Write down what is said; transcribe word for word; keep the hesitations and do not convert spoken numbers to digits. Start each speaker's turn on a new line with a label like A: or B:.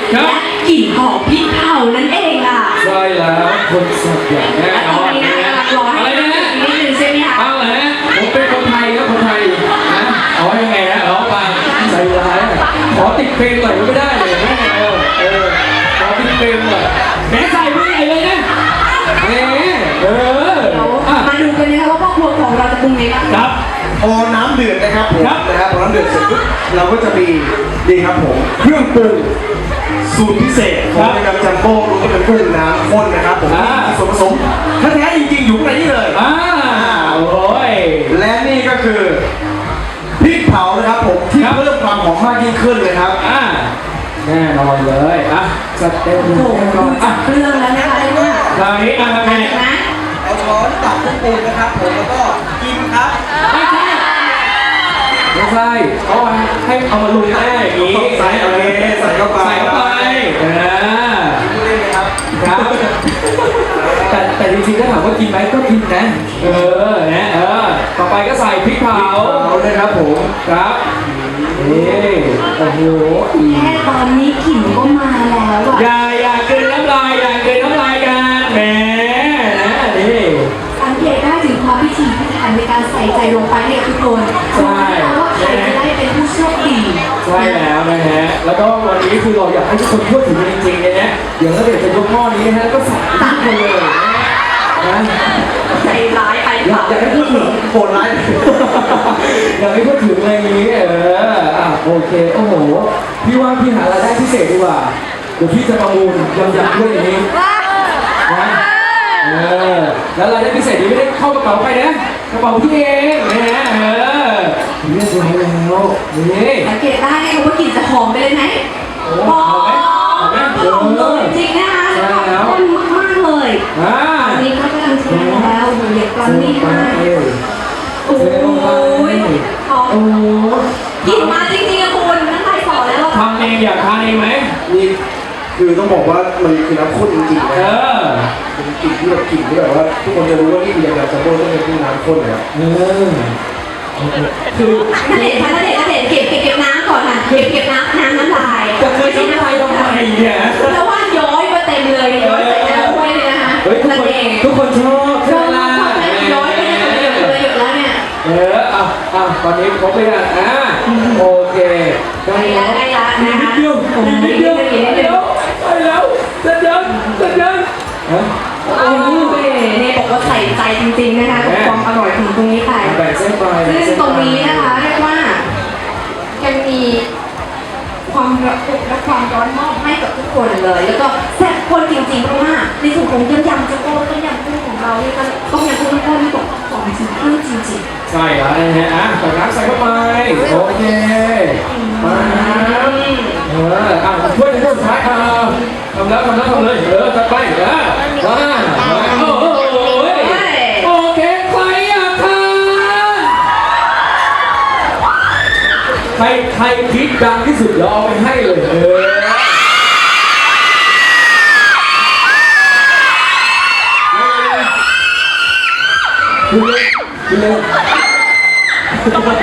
A: และกลิ่นหอมพริกเผานั่นเองล่ะ
B: ใช่แล้วคนสัตว์อย่างแน่นอนนะอะไรนะ
A: นิดนึงใช่ไหมคะ
B: เอาแหละผมเป็นคนไทยครับคนไทยนะเอายังไงนะร้องมาใจร้ายขอติดเพลงหน่อยก็ไม่ได้เลยนะเออเออขอติดเพลงหน่อยแหมใส่ไม่ใหญ่เลยนะแหมเออ
A: มาดูกันนะคะว่าพ่อครัวของเราจะปรุงยังไงบ้าง
B: ครับ
C: พอน้ำเดือดนะครับผมนะครับพอน้ำเดือดเสร็จปุ๊บเราก็จะมีดีครับผมเครื่องปรุงสูตรพิเศษของในการจัมโบ้รวมเป็นกุ้งน้ำข้นนะครับผมมีส่วนผสมแท้ๆจริงๆอยู่ในนี้เลย
B: อ่าโอ้ย
C: และนี่ก็คือพริกเผานะครับผมที่เพิ่มความหอมมากยิ่งขึ้นเลยครับ
B: อ่าแน่นอนเลยอ่ะจัดเต็มเลย
A: อ่ะเครื่องแล้วนะคะเรียกว่า
B: คราวนี้อ่ะทำไง
C: เอาช้อนตักเครื่องปรุงนะครับผมแล้วก็กินครับ
B: ไม่ใช่ไม่ใช่เขาให้เอามาลุยแน่อย่างนี้
C: ใส่อะไรใส่เข้าไป
B: ใส่เข้าไปเออ
C: เล่นไหมครับ
B: ครับแต่แต่จริงๆถ้าถามว่ากินไหมก็กินนะเออนะเออต่อไปก็ใส่พริกเผา
C: นะครับผม
B: ครับนี่โอ้โห
A: แค่ตอนนี้กลิ่นก็มาแล้วอ่ะ
B: อย่าอย่ากินน้ำลายอย่ากินน้ำลายกันแหมนะนี่
A: สังเกตได้ถึงความพิถีพิถันในการใส่ใจลงไปเนี่ยทุกคน
B: ใช่
A: ว่าใครจะได้เป็นผู้โชคดี
B: ใช่แล้วนะฮะแล้วก็วันนี้คือเราอยากให้ทุกคนพูดถึงจริงๆเนี่ยเดี๋ยวเราเดี๋ยวจะยกหม้อนี้นะฮะก็สั่งทุกคนเลยนะ
A: ใจร้ายไป
B: อยากให้พูดถึง
C: โหดร้าย
B: อยากให้พูดถึงอะไรนี้เอออ่ะโอเคโอ้โหพี่ว่าพี่หารายได้พิเศษดีกว่าเดี๋ยวพี่จะประมูลยำยำด้วยอย่างนี้นะเออแล้วรายได้พิเศษนี้ไม่ได้เข้ากระเป๋าใครนะกระเป๋าพี่เองนะเออเรียบร้อยแล้วนี่
A: สังเกตได้ไหมว่ากลิ่นจะหอมไปเลยไหม
B: หอมไหมหอมไหม
A: หอมเลยจริงนะคะแล้วก็มากมากเลยอันนี้ก็กำลังเทแล้วโอ้โหเด็กกลอนนี่มากโอ้ยหอมกลิ่นมาจริงๆอะคุณน้ำลายสอแล้ว
B: ทำเองอยากทานเองไหม
C: นี่คือต้องบอกว่ามันคือน้ำข้นจริงๆนะเป็นกลิ่นที่แบบกลิ่นที่แบบว่าทุกคนจะรู้ว่านี่คือยังไงจัมโบ้ต้องเป็นน้ำข้นเลย
B: เออ
A: คือถ้าเด็ดถ้าเด็ดถ้าเด็ดเก็บเก็บเก็บน้ำก่อนค่ะเก็บเก็บน้ำน้ำน้ำลาย
B: จะเคยน้ำลายทำไมเนี่ย
A: แล้วว่าย้อยมาเต็มเลยย้อยใส่น้ำถ้วยเลยนะคะ
B: เฮ้ยทุกคนทุกคนชอบ
A: ชอบย้อยไปเลยหยดเลยหยดแล้วเนี่ย
B: เอออ่ะอ่ะตอนนี้ครบไปแล้วอ่ะโอเค
A: ได้แล้วได้แล้วนะคะ
B: นิดเดียวนิดเดียวนิดเดียวไปแล้วจะเดินจะเดินฮะ
A: โอ้ยเนี่ยบอกว่าใส่ใจจริงๆนะคะกับความอร่อยของตรงนี้ไป
B: แบ่งเส้นไป
A: ซึ่งตรงนี้นะคะเรียกว่ายังมีความระอุและความร้อนมอบให้กับทุกคนเลยแล้วก็แซ่บคนจริงๆเพราะว่าในส่วนของยำยำจะโก้ต้มยำกุ้งของเราเนี่ยก็ต้องยำกุ้งก้อนที่บอกของจริงๆจริง
B: ๆใช่แล้วนะฮะอ่ะใส่น้ำใส่เข้าไปโอเคมาเอออ่ะช่วยในช่วงสุดท้ายอ่ะทำแล้วทำแล้วทำเลยเออจัดไปเออมาโอ้โหโอเคใครอยากทานใครใครคิดดังที่สุดเราเอาไปให้เลยเออคุณเล่นคุณเล่น